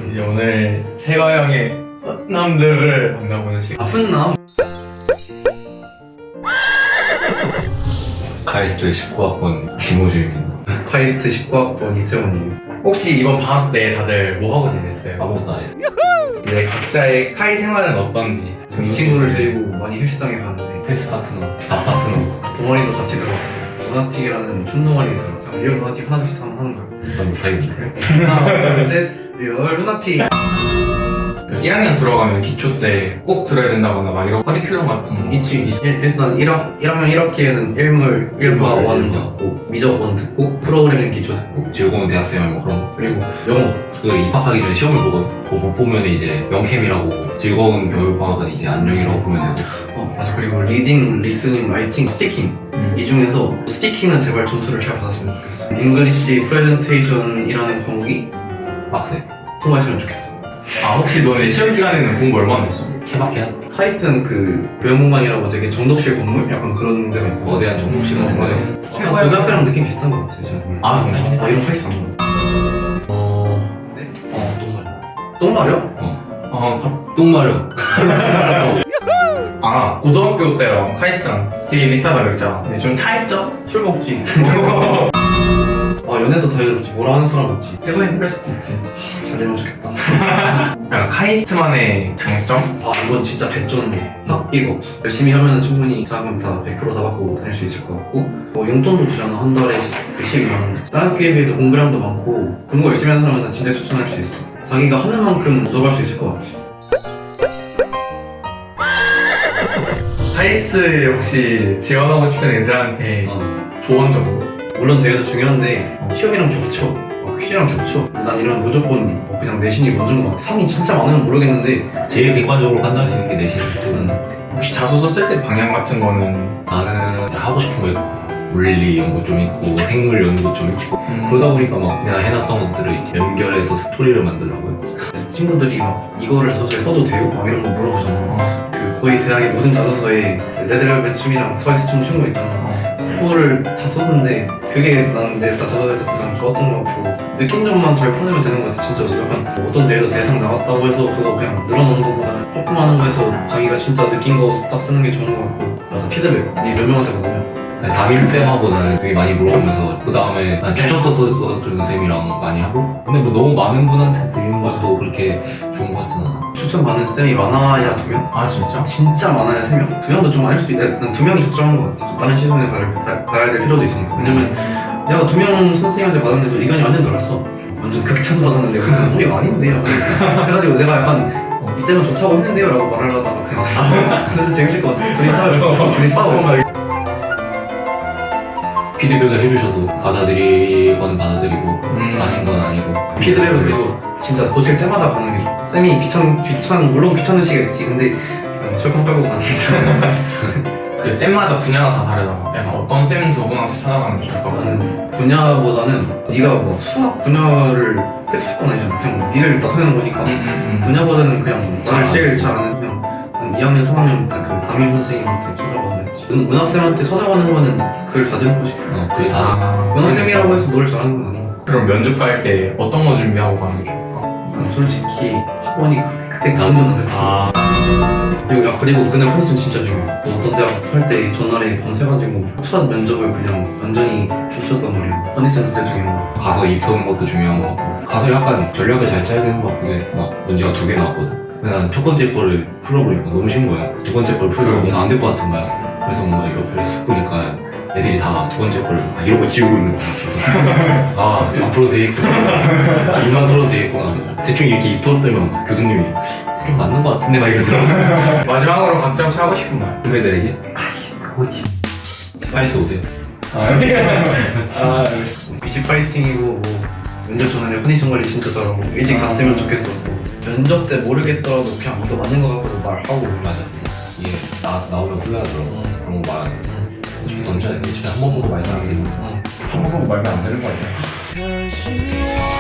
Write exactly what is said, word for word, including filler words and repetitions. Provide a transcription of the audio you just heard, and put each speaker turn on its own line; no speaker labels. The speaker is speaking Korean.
이제 오늘 태화형의 남들을 만나보는 시간.
아 훈남?
카이스트 십구 학번 김호준입니다.
카이스트 십구 학번 이태원이에요.
혹시 이번 방학 때 다들 뭐 하고 지냈어요?
아무것도 안 했어요.
이제 각자의 카이 생활은 어떤지.
이 친구를 데리고 많이 헬스장에 갔는데
헬스 파트너, 밥 파트너.
동아리도 같이 들어갔어요. 루나틱이라는 춤동아리에 들어갔죠. 리얼 루나틱 하나씩 하면 하는 거예요.
난 못하겠네.
하나 둘셋 리얼 루나틱.
그 일 학년 들어가면 기초 때 꼭 들어야 된다거나 막 이런 커리큘럼 같은 거.
있지. 일, 일단 일 학, 일 학년 일 학기에는 일물 일과 원 듣고 미적 원 듣고 프로그래밍 기초 듣고
즐거운 대학생활 뭐 그런 거.
그리고 영어.
그 입학하기 전에 시험을 보고 못 보면 이제 영캠이라고 즐거운 겨울방학은 이제 안녕이라고 보면 되고.
어 맞아. 그리고 리딩, 리스닝, 라이팅, 스피킹
음.
이 중에서 스피킹은 제발 점수를 잘 받았으면 좋겠어. 잉글리시 프레젠테이션이라는 과목이
빡세.
통과했으면 좋겠어.
아 혹시 너네 시험 기간에는 공부 얼마나 했어?
케바케야?
카이스트는 그 교양공간이라고 되게 정독실 건물? 약간 그런 데가 있고
거대한 정독실 같은
맞아.
거죠.
약간 고등학교랑 느낌 비슷한 것 같아. 제가 보면.
아 정말?
아 이런 카이스트 안 먹어. 어... 네?
어, 똥마려.
똥 말이야?
어, 가-
똥마려.
아 고등학교 때랑 카이스랑 되게 비슷하다 그랬잖아. 근데 좀 차이점?
술 먹지. 아 연애도 자유롭지. 뭐라 하는 사람 없지.
최고의 특별 수도 있지.
잘 되면 좋겠다.
약간 카이스트만의 장점?
아 이건 진짜 개쩐 학비가 없어. 열심히 하면 충분히 자금 다 백 퍼센트 다 받고 다닐 수 있을 것 같고 뭐 용돈도 주잖아. 한 달에 십이만 원. 다른 학교에 비해서 공부량도 많고 공부 열심히 하는 사람은 진짜 추천할 수 있어. 자기가 하는 만큼 얻어갈 수 있을 것 같아.
카이스트 혹시 지원하고 싶은 애들한테
어.
조언 정도?
물론 대회도 중요한데 시험이랑 겹쳐. 어, 퀴즈랑 겹쳐. 난 이런 무조건 어, 그냥 내신이 먼저인 것 같아. 상이 진짜 많으면 모르겠는데
제일 객관적으로 판단할 수 있는 게 내신이거든.
혹시 자소서 쓸 때 방향 같은 거는
나는 하고 싶은 거 있고 물리 연구 좀 있고 생물 연구 좀 있고
음,
그러다 보니까 막 내가 해놨던 것들을 이렇게 연결해서 스토리를 만들려고 했지.
친구들이 막 이거를 자소서에 써도 돼요? 막 이런 거 물어보잖아.
어,
그 거의 대학의 모든 자소서에 레드벨벳 춤이랑 트와이스 춤 춘 거 있잖아.
어.
그거를 다 썼는데 그게 난 내 자소서에서 가장 좋았던 것 같고 느낀 점만 잘 풀내면 되는 것 같아. 진짜 약간 뭐 어떤 대회도 대상 나왔다고 해서 그거 그냥 늘어놓는 것보다는 조금 하는 거에서 자기가 진짜 느낀 거 딱 쓰는 게 좋은 것 같고. 그래서 피드백 니 몇 명한테 받으면
담임쌤하고 나는 되게 많이 물어보면서 그 다음에 난 추천서 써주는 쌤이랑 많이 하고 근데 뭐 너무 많은 분한테 드리는 것도 그렇게 좋은 것 같진 않아.
추천받는 쌤이 많아야 두 명?
아 진짜?
진짜 많아야 세 명? 두 명도 좀 많을 수도 있 난 두 명이 적절한 것 같아. 또 다른 시선에 봐야, 봐- 봐야 될 필요도 있으니까. 왜냐면 내가 두 명 선생님한테 받았는데도 의견이 완전 달랐어. 완전 극찬 받았는데 무슨 소리가 아닌데요. 그래가지고 내가 약간 이 쌤은 좋다고 했는데요 라고 말을 하다가 그냥 왔어. 그래서 재밌을 것 같아. 둘이 싸워. 둘이 싸워.
피드백을 해주셔도 받아들이건 받아들이고
음.
아닌 건 아니고
피드백은 그리고 진짜 고칠 때마다 가는 게 좋아. 쌤이 귀찮, 귀찮, 물론 귀찮은 시겠지. 근데 그냥 철컹 빼고 가는 게
그 쌤마다 분야가 다 다르잖아. 약간 어떤 쌤 저분한테 찾아가는 게 좋을까?
나는 분야보다는 네가 뭐 수학 분야를 깨트릴 건 아니잖아. 그냥 니를 나타내는 거니까.
음, 음, 음.
분야보다는 그냥
잘
나를 제일
알지.
잘 아는 그냥 한 이 학년, 삼 학년 때 그 담임 선생님한테 찾아가야지. 문학쌤한테 찾아가는 거는 글 다 듣고 싶어.
어, 그게 다
아,
문학쌤이라고 해서 노래 잘하는 건 아니니까.
그럼 면접 갈 때 어떤 거 준비하고 가는 게 좋을까?
난 솔직히 학원이 그렇게 크게 도움은 안 됐어.
아,
그리고, 야, 그리고 그날 컨디션 진짜 중요해. 그 어떤 대학 할 때 전날에 밤새가지고 첫 면접을 그냥 완전히 춤췄단 말이야. 컨디션 진짜 중요한 거.
가서 입 터는 것도 중요한 거 같고 가서 약간 전략을 잘 짜야 되는 것 같고 막 문제가 두 개 나왔거든. 근데 난 첫 번째 거를 풀어보니까 너무 쉬운 거야. 두 번째 걸 풀다가 뭔가 안 될 것 같은 거야. 그래서 뭔가 옆에 쓱 보니까 애들이 다 두 번째 걸 막 이러고 지우고 있는 거야. 그래서 아 앞으로 되겠구나. 아, 입만 털어도 되겠구나. 대충 이렇게 입 털었더니 교수님이 좀 맞는 것 같은데 막 이러더라고.
마지막으로 각자 혹시 하고 싶은 말?
후배들에게 아이 그거지. 빨리 또 오세요.
아,
미시 파이팅이고 뭐 면접 전에 컨디션 관리 진짜 잘하고 일찍 갔으면 좋겠어. 면접 때 모르겠더라도 그냥 이거 맞는 거 같다고 말하고.
맞아. 이게 나, 나오면 훈련하더라고. 그런 거 말하는 거.
응.
좀 던져야 돼. 집에 한 번 보고 말하는 게
응.
한 번 보고 말면 안 되는 거 아니야?
Cause you